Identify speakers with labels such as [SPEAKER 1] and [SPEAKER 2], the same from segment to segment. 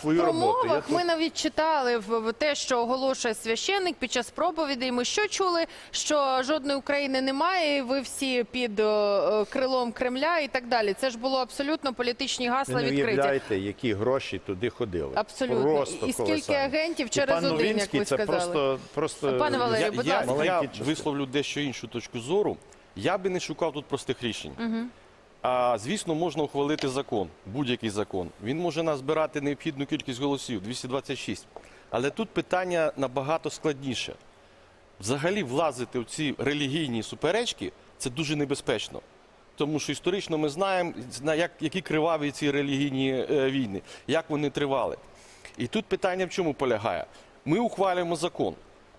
[SPEAKER 1] свою роботу.
[SPEAKER 2] промовах ми навіть читали в те, що оголошує священник під час проповідей. Ми що чули? Що жодної України немає, і ви всі під крилом Кремля і так далі. Це ж було абсолютно політичні гасла
[SPEAKER 1] Ви не
[SPEAKER 2] відкриті.
[SPEAKER 1] уявляєте, які гроші туди ходили.
[SPEAKER 2] Абсолютно.
[SPEAKER 1] Просто
[SPEAKER 2] І скільки
[SPEAKER 1] колосальні.
[SPEAKER 2] агентів через один, як ви
[SPEAKER 1] це
[SPEAKER 2] сказали.
[SPEAKER 1] просто
[SPEAKER 2] Пане Валерію, будь ласка.
[SPEAKER 3] Я висловлю дещо іншу точку зору. Я би не шукав тут простих рішень. Звісно, можна ухвалити закон, будь-який закон. Він може назбирати необхідну кількість голосів, 226. Але тут питання набагато складніше. Взагалі влазити в ці релігійні суперечки – це дуже небезпечно. Тому що історично ми знаємо, які криваві ці релігійні війни, як вони тривали. І тут питання в чому полягає? Ми ухвалюємо закон,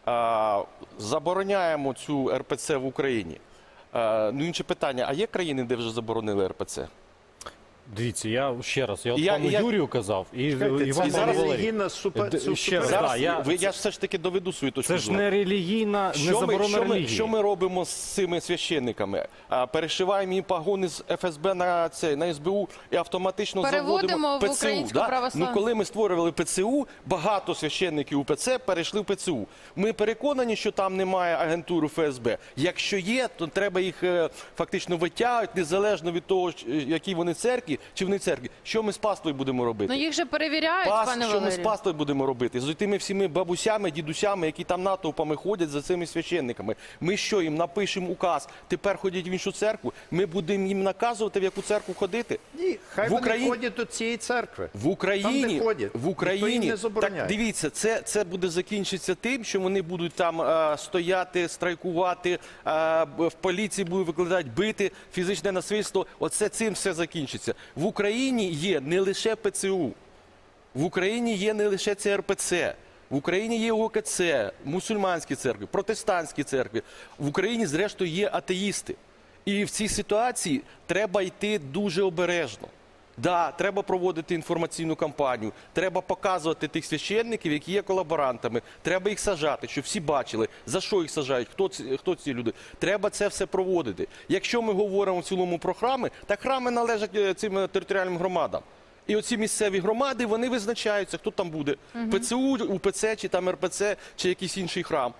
[SPEAKER 3] забороняємо цю РПЦ в Україні. Ну, інше питання, а є країни, де вже заборонили РПЦ?
[SPEAKER 4] Дивіться, я ще раз, я пану Юрію казав, і
[SPEAKER 1] Чекайте,
[SPEAKER 4] Іван
[SPEAKER 1] це
[SPEAKER 4] Валерій.
[SPEAKER 1] релігійна
[SPEAKER 4] Ще раз,
[SPEAKER 3] Зараз
[SPEAKER 4] да,
[SPEAKER 3] я все ж таки доведу свою точку
[SPEAKER 4] Це ж
[SPEAKER 3] зору.
[SPEAKER 4] не релігійна, не заборона релігії.
[SPEAKER 3] Що ми робимо з цими священниками? Перешиваємо їм погони з ФСБ на СБУ і автоматично
[SPEAKER 2] Переводимо
[SPEAKER 3] заводимо
[SPEAKER 2] в
[SPEAKER 3] ПЦУ.
[SPEAKER 2] українську
[SPEAKER 3] Да?
[SPEAKER 2] православну.
[SPEAKER 3] Ну, коли ми створювали ПЦУ, багато священників УПЦ перейшли в ПЦУ. Ми переконані, що там немає агентури ФСБ. Якщо є, то треба їх фактично витягувати, незалежно від того, які вони церкві, чи вони церкві. Що ми з паствою будемо робити?
[SPEAKER 2] Ну їх же перевіряють, пане
[SPEAKER 3] Що ми з
[SPEAKER 2] Валерію.
[SPEAKER 3] паствою будемо робити? З тими всіми бабусями, дідусями, які там натовпами ходять за цими священниками. Ми що, їм напишемо указ, тепер ходять в іншу церкву? Ми будемо їм наказувати, в яку церкву ходити?
[SPEAKER 1] Ні, хай вони ходять до цієї церкви.
[SPEAKER 3] В Україні,
[SPEAKER 1] Там, де ходять. Ніхто їм не забороняє.
[SPEAKER 3] Так, дивіться, це буде закінчитися тим, що вони будуть там стояти, страйкувати, в поліції будуть викладати, бити, фізичне насильство. Оце цим все закінчиться. В Україні є не лише ПЦУ, в Україні є не лише ЦРПЦ, в Україні є ОКЦ, мусульманські церкви, протестантські церкви. В Україні, зрештою, є атеїсти. І в цій ситуації треба йти дуже обережно. Да, треба проводити інформаційну кампанію, треба показувати тих священників, які є колаборантами, треба їх саджати, щоб всі бачили, за що їх саджають, хто ці люди. Треба це все проводити. Якщо ми говоримо в цілому про храми, так храми належать цим територіальним громадам. І оці місцеві громади, вони визначаються, хто там буде. ПЦУ, УПЦ, чи там РПЦ, чи якийсь інший храм.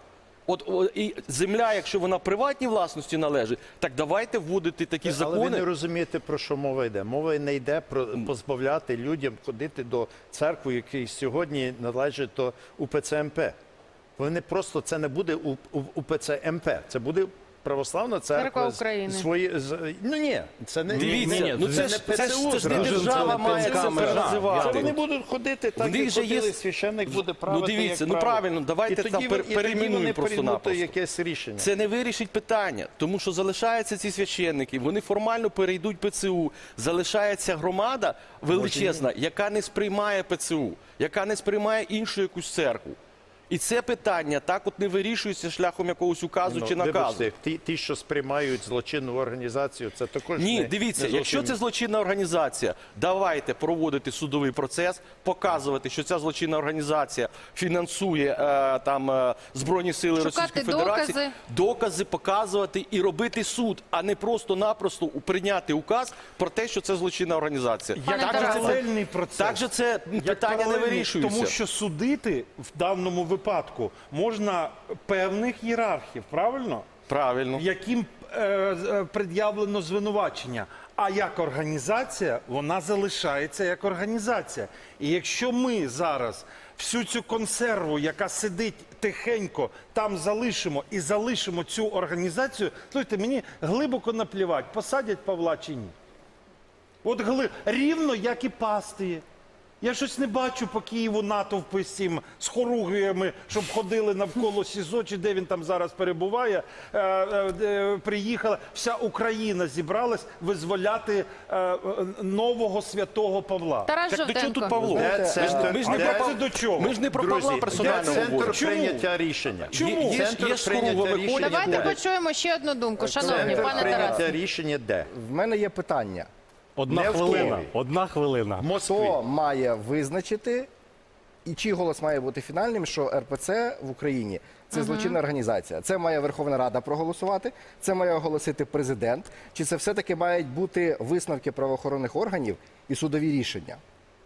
[SPEAKER 3] І земля, якщо вона приватній власності належить, так давайте вводити такі закони.
[SPEAKER 1] Але ви не розумієте, про що мова йде. Мова не йде про позбавляти людям ходити до церкви, які сьогодні належать до УПЦ МП. Вони просто, це не буде УПЦ МП, це буде православна церква
[SPEAKER 2] України.
[SPEAKER 1] Ну ні, це не
[SPEAKER 3] Дивіться, ну це ж
[SPEAKER 1] ПЦУ.
[SPEAKER 3] не держава має це
[SPEAKER 1] Це
[SPEAKER 3] називати.
[SPEAKER 1] вони будуть ходити, так як ходили, священник буде правити,
[SPEAKER 3] Ну дивіться,
[SPEAKER 1] як
[SPEAKER 3] ну
[SPEAKER 1] правив.
[SPEAKER 3] правильно, давайте там перейменуємо просто-напросто.
[SPEAKER 1] Якесь рішення.
[SPEAKER 3] Це не вирішить питання, тому що залишаються ці священники, вони формально перейдуть ПЦУ. Залишається громада величезна, яка не сприймає ПЦУ, яка не сприймає іншу якусь церкву. І це питання так от не вирішується шляхом якогось указу чи наказу.
[SPEAKER 1] Вибачте, ті, що сприймають злочинну організацію, це також
[SPEAKER 3] Ні, дивіться, якщо це злочинна організація, давайте проводити судовий процес, показувати, що ця злочинна організація фінансує Збройні сили Російської Федерації. Докази показувати і робити суд, а не просто-напросто прийняти указ про те, що це злочинна організація.
[SPEAKER 5] Як паралельний процес.
[SPEAKER 3] Так же це питання не вирішується.
[SPEAKER 5] Тому що судити в даному випадку можна певних ієрархів, правильно?
[SPEAKER 3] Правильно.
[SPEAKER 5] Яким пред'явлено звинувачення. А як організація, вона залишається як організація. І якщо ми зараз всю цю консерву, яка сидить тихенько, там залишимо і залишимо цю організацію, слухайте, мені глибоко наплівати, посадять Павла чи ні. От рівно, як і Пастії. Я щось не бачу по Києву натовпи з хоругвіями, щоб ходили навколо СІЗО, чи де він там зараз перебуває. Приїхала, вся Україна зібралась визволяти нового святого Павла.
[SPEAKER 2] Тарас
[SPEAKER 3] Так до чого
[SPEAKER 2] Жовтенко.
[SPEAKER 3] тут Павло? Ми ж не про Павла персонально говоримо.
[SPEAKER 1] Центр прийняття рішення.
[SPEAKER 5] Чому?
[SPEAKER 1] Центр прийняття рішення
[SPEAKER 2] Давайте
[SPEAKER 1] де?
[SPEAKER 2] почуємо ще одну думку, шановні,
[SPEAKER 1] Центр
[SPEAKER 2] пане
[SPEAKER 1] прийняття
[SPEAKER 2] Тарасе.
[SPEAKER 1] рішення де?
[SPEAKER 6] В мене є питання.
[SPEAKER 4] Одна
[SPEAKER 1] Не в
[SPEAKER 4] хвилина.
[SPEAKER 1] Києві.
[SPEAKER 4] Одна хвилина.
[SPEAKER 1] В Москві.
[SPEAKER 6] Хто має визначити, і чий голос має бути фінальним, що РПЦ в Україні – це злочинна організація? Це має Верховна Рада проголосувати, це має оголосити президент, чи це все-таки мають бути висновки правоохоронних органів і судові рішення?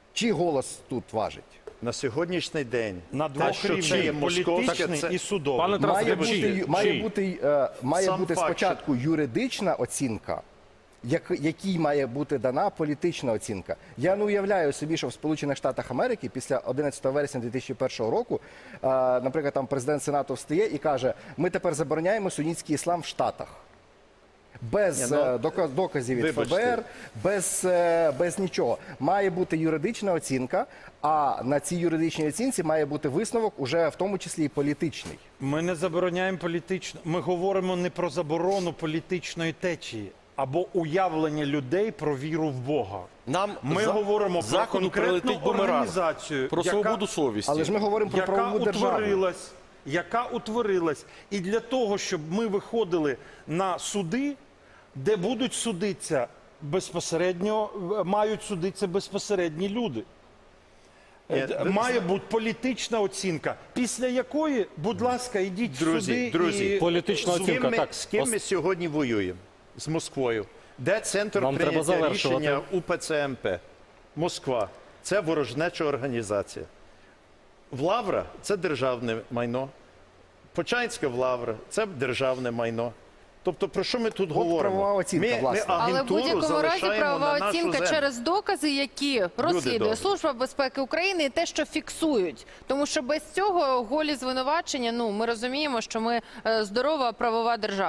[SPEAKER 6] Чий голос тут важить?
[SPEAKER 1] На сьогоднішній день
[SPEAKER 5] На
[SPEAKER 1] те,
[SPEAKER 5] двох
[SPEAKER 1] що це є
[SPEAKER 5] рівнях –
[SPEAKER 1] московське,
[SPEAKER 5] політичний
[SPEAKER 1] це
[SPEAKER 5] і судовий.
[SPEAKER 4] Пане Тарасе,
[SPEAKER 6] Має
[SPEAKER 4] чий?
[SPEAKER 6] бути
[SPEAKER 1] Сам факт,
[SPEAKER 6] спочатку юридична оцінка, якій має бути дана політична оцінка. Я не уявляю собі, що в Сполучених Штатах Америки після 11 вересня 2001 року, наприклад, там президент Сенату встає і каже, ми тепер забороняємо сунітський іслам в Штатах. Без
[SPEAKER 1] Ні,
[SPEAKER 6] доказів від
[SPEAKER 1] вибачте.
[SPEAKER 6] ФБР, без нічого. Має бути юридична оцінка, а на цій юридичній оцінці має бути висновок, уже в тому числі і політичний.
[SPEAKER 5] Ми не забороняємо політично. Ми говоримо не про заборону політичної течії або уявлення людей про віру в Бога.
[SPEAKER 3] Нам
[SPEAKER 5] Ми говоримо про
[SPEAKER 3] Заходу
[SPEAKER 5] конкретну
[SPEAKER 3] прилетить бумеранг.
[SPEAKER 5] організацію,
[SPEAKER 3] Про свободу совісті.
[SPEAKER 6] Але ж ми говоримо про
[SPEAKER 5] яка
[SPEAKER 6] правову державу.
[SPEAKER 5] яка утворилась. І для того, щоб ми виходили на суди, де будуть судитися безпосередньо, мають судитися безпосередні люди. Має бути політична оцінка, після якої, будь ласка, ідіть в суди
[SPEAKER 1] друзі,
[SPEAKER 5] і...
[SPEAKER 4] Політична оцінка. Так,
[SPEAKER 1] з ким ми сьогодні воюємо? З Москвою. Де центр
[SPEAKER 4] Нам треба
[SPEAKER 1] прийняття
[SPEAKER 4] завершувати.
[SPEAKER 1] рішення УПЦ МП? Москва. Це ворожнеча організація. Лавра – це державне майно. Почаїнська Лавра – це державне майно. Тобто, про що ми тут говоримо?
[SPEAKER 6] правова оцінка,
[SPEAKER 1] ми
[SPEAKER 6] власне.
[SPEAKER 2] Але в
[SPEAKER 1] агентуру
[SPEAKER 2] будь-якому разі
[SPEAKER 1] залишаємо
[SPEAKER 2] правова
[SPEAKER 1] на нашу
[SPEAKER 2] оцінка
[SPEAKER 1] землю.
[SPEAKER 2] через докази, які розслідує
[SPEAKER 1] добрі.
[SPEAKER 2] Служба безпеки України, і те, що фіксують. Тому що без цього голі звинувачення, ну ми розуміємо, що ми здорова правова держава.